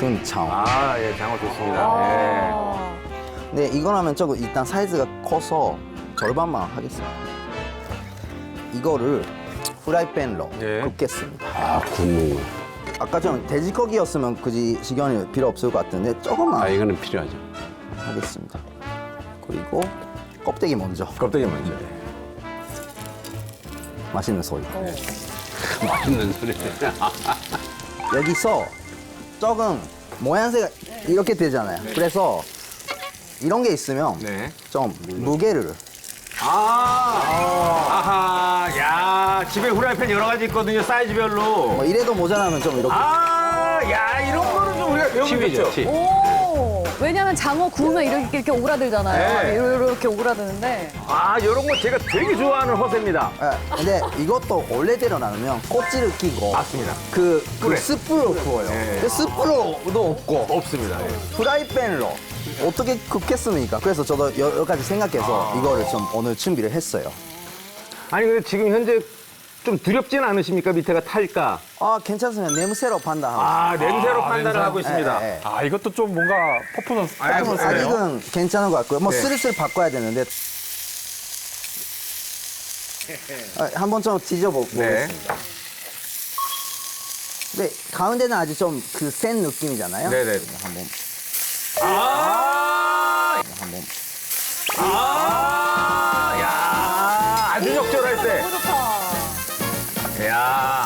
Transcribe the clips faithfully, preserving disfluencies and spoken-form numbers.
큰 장어. 아, 예, 장어 좋습니다. 아. 근데 이거 하면 조금 일단 사이즈가 커서 절반만 하겠습니다. 이거를 프라이팬으로 네. 굽겠습니다. 아, 굽는 거. 아까 좀 돼지고기였으면 굳이 식용유 필요 없을 것 같은데 조금만 아, 이거는 필요하죠. 하겠습니다. 그리고 껍데기 먼저. 예. 껍데기 먼저. 맛있는 소리. 맛있는 소리. 여기서 조금 모양새가 이렇게 되잖아요. 그래서 이런 게 있으면 네. 좀 무게를 아, 아하, 야, 집에 후라이팬 여러 가지 있거든요, 사이즈별로. 뭐 이래도 모자라면 좀 이렇게 아, 야, 이런 거는 좀 우리가 배우면 팁이죠, 좋죠. 팁. 오. 왜냐면 장어 구우면 이렇게, 이렇게 오그라들잖아요. 네. 이렇게 오그라드는데. 아, 이런 거 제가 되게 좋아하는 허세입니다. 예, 근데 이것도 원래대로 나누면 껍질을 끼고 맞습니다. 그, 그 그래. 스프로 구워요. 네. 근데 스프로도 없고 없습니다. 예. 프라이팬으로 어떻게 굽겠습니까? 그래서 저도 여러 가지 생각해서 이거를 좀 오늘 준비를 했어요. 아니, 근데 지금 현재 좀 두렵진 않으십니까? 밑에가 탈까? 아 괜찮으면 냄새로 판단하고 아, 냄새로 아, 판단을 냄새. 하고 있습니다. 예, 예. 아, 이것도 좀 뭔가 퍼포먼스, 아이고, 퍼포먼스 아이고. 네요. 아직은 괜찮은 것 같고요. 뭐 네. 슬슬 바꿔야 되는데 아, 한번 좀 뒤져보겠습니다. 네. 근데 가운데는 아주 좀 그 센 느낌이잖아요. 네네. 한번 아, 한번 아, 야, 아주 적절할 때. 너무 좋다. 야,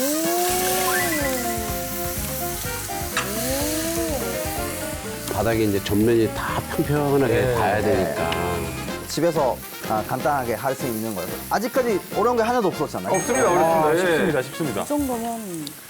바닥에 이제 전면이 다 평평하게 네. 닿아야 되니까. 집에서 아, 간단하게 할 수 있는 거예요. 아직까지 어려운 게 하나도 없었잖아요. 없습니다, 아, 어렵습니다. 예. 쉽습니다, 쉽습니다. 이 정도면.